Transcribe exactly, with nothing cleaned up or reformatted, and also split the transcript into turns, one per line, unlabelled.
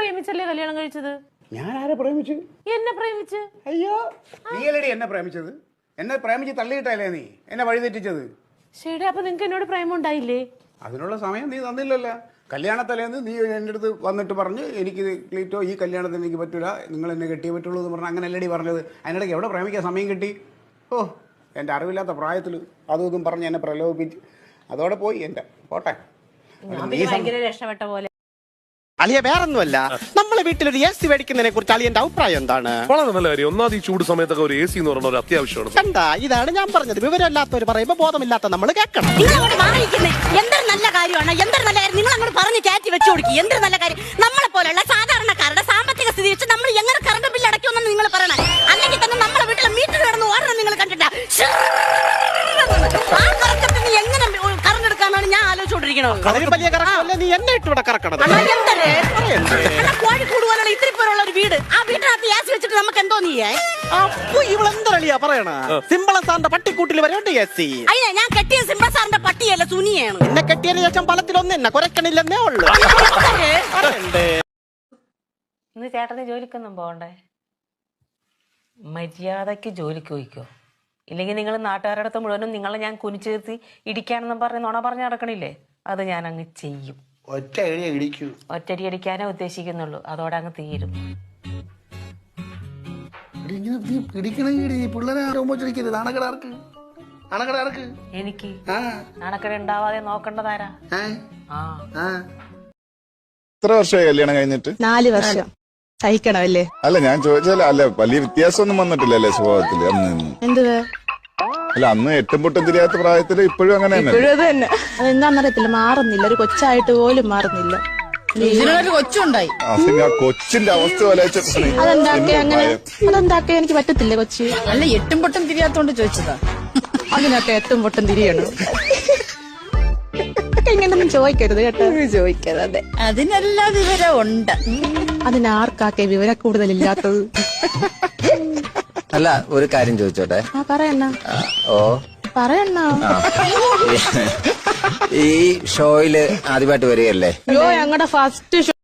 പ്രേമിച്ചല്ലേ കല്യാണം കഴിച്ചത്?
ഞാൻ ആരെ പ്രേമിച്ചു?
എന്നെ പ്രേമിച്ച്.
അയ്യോ, നീയല്ലേടി എന്നെ പ്രേമിച്ചത്. എന്നെ പ്രേമിച്ച് തള്ളിയിട്ടല്ലേ നീ എന്നെ വഴിതെറ്റിച്ചത്.
ശരി, അപ്പൊ നിങ്ങക്ക് എന്നോട് പ്രേമം ഉണ്ടായില്ലേ?
അതിനുള്ള സമയം നീ തന്നില്ലല്ലോ. കല്യാണത്തലേന്ന് നീ എൻ്റെ അടുത്ത് വന്നിട്ട് പറഞ്ഞ് എനിക്ക് ക്ലീറ്റോ ഈ കല്യാണത്തിന് എനിക്ക് പറ്റൂല, നിങ്ങൾ എന്നെ കെട്ടിയേ പറ്റുള്ളൂ എന്ന് പറഞ്ഞാൽ അങ്ങനെ അല്ലടി പറഞ്ഞത്. അതിനിടയ്ക്ക് എവിടെ പ്രേമിക്കാൻ സമയം കിട്ടി? ഓ, എൻ്റെ അറിവില്ലാത്ത പ്രായത്തിൽ അതും ഇതും പറഞ്ഞ് എന്നെ പ്രലോഭിപ്പിച്ച് അതോടെ പോയി എൻ്റെ പോട്ടെ.
ഭയങ്കര രക്ഷപ്പെട്ട പോലെ.
അളിയ വേറൊന്നുമല്ല, നമ്മളെ വീട്ടിലൊരു എ സി മേടിക്കുന്നതിനെ കുറിച്ച് അളിയന്റെ അഭിപ്രായം എന്താണ്?
വളരെ നല്ല കാര്യം. ഒന്നാമത് ഈ ചൂട് സമയത്തൊക്കെ ഒരു എ സി എന്ന് പറയുന്ന ഒരു അത്യാവശ്യമാണ്.
കണ്ടാ, ഇതാണ് ഞാൻ പറഞ്ഞത്. വിവരമില്ലാത്തവർ പറയുമ്പോ ബോധമില്ലാത്ത നമ്മൾ കേൾക്കണം.
എന്തൊരു നല്ല കാര്യമാണ്, എന്തൊരു നല്ല കാര്യം നിങ്ങൾ അങ്ങോട്ട് പറഞ്ഞ് കയറ്റി വെച്ചു കൊടുക്കി. എന്തൊരു നല്ല കാര്യം. നമ്മളെ പോലെയുള്ള സാധാരണക്കാരുടെ സാമ്പത്തിക സ്ഥിതി വെച്ച് നമ്മൾ എങ്ങനെ കറണ്ട് ബില്ല് അടയ്ക്കുമെന്ന് നിങ്ങൾ പറയണം. അല്ലെങ്കിൽ തന്നെ നമ്മളെ വീട്ടിലെ മീറ്റർ കിടന്ന് ഓടണം നിങ്ങൾ കണ്ടിട്ടില്ല. ആ കറക്കത്തിന് എങ്ങനെ കറണ്ട് എടുക്കാനാണ് ഞാൻ ആലോചിച്ചോണ്ടിരിക്കണത്.
അതൊരു വലിയ കറക്കമല്ലേ, നീ എന്നെ ഇട്ട് ഇവിടെ കറക്കണത്.
കോഴിക്കോട് പോലുള്ള ഇത്തിരി പേരുള്ള ഒരു വീട്, ആ വീട്ടിനകത്ത് ഗ്യാസ് വെച്ചിട്ട് നമുക്ക് എന്തോ നീയേ.
അപ്പൊ ഇവളെന്തളിയാ പറയണ? സിമ്പിള സാറിന്റെ പട്ടിക്കൂട്ടിൽ വരെ ഉണ്ട് എ സി.
അയ്യ, ഞാൻ കെട്ടിയ സിംബ സാറിന്റെ പട്ടിയല്ല, സുനിയാണ്.
എന്നെ കെട്ടിയതിന് ശേഷം ഫലത്തിലൊന്നും എന്നെ കുരക്കണില്ലെന്നേ ഉള്ളു.
ഇന്ന് ചേട്ടന് ജോലിക്കൊന്നും പോകണ്ടേ? മര്യാദക്ക് ജോലിക്ക് പോയിക്കോ. ഇല്ലെങ്കിൽ നിങ്ങൾ നാട്ടുകാരുടെ അടുത്ത് മുഴുവനും നിങ്ങളെ ഞാൻ കുനിച്ചു നിർത്തി ഇടിക്കാനെന്നും പറഞ്ഞ് നുണ പറഞ്ഞ് നടക്കണില്ലേ, അത് ഞാൻ അങ്ങ് ചെയ്യും.
ഒറ്റ ഇടിക്കൂ.
ഒറ്റടി അടിക്കാനേ ഉദ്ദേശിക്കുന്നുള്ളൂ, അതോടെ അങ്ങ് തീരും. എനിക്ക് നാണക്കട ഉണ്ടാവാതെ നോക്കേണ്ടതാരാ?
എത്ര വർഷമായി കല്യാണം കഴിഞ്ഞിട്ട്?
നാല് വർഷം. സഹിക്കണമല്ലേ?
അല്ല, ഞാൻ ചോദിച്ചാൽ അല്ല വലിയ വ്യത്യാസമൊന്നും വന്നിട്ടില്ലല്ലേ സ്വഭാവത്തില്? അന്ന്
എന്തുവാ?
അല്ല, അന്ന് എട്ടും പൊട്ടും തിരിയാത്ത പ്രായത്തില് ഇപ്പോഴും അങ്ങനെ തന്നെ.
അതെന്താന്നറിയത്തില്ല, മാറുന്നില്ല. ഒരു കൊച്ചായിട്ട് പോലും മാറുന്നില്ല. കൊച്ചുണ്ടായി.
ആ കൊച്ചിന്റെ അവസ്ഥ
അതെന്താക്കെ അങ്ങനെ? അതെന്താക്കെ എനിക്ക് പറ്റത്തില്ല. കൊച്ചി
അല്ല, എട്ടും പൊട്ടും തിരിയാത്തോണ്ട് ചോദിച്ചതാ.
അതിനൊക്കെ എട്ടും പൊട്ടും തിരിയണം. ഇങ്ങനൊന്നും ചോദിക്കരുത് കേട്ടോ. ചോദിക്കരുത്. അതെ,
അതിനെല്ലാം വിവരം ഉണ്ട്.
അതിനാർക്കാക്കെ വിവര കൂടുതലില്ലാത്തത്.
അല്ല, ഒരു കാര്യം ചോദിച്ചോട്ടെ?
ആ, പറയണ്ണ.
ഓ,
പറയണ്ണ.
ഈ ഷോയില് ആദ്യമായിട്ട് വരികയല്ലേ?
അയ്യോ, ഞങ്ങളുടെ ഫസ്റ്റ് ഷോ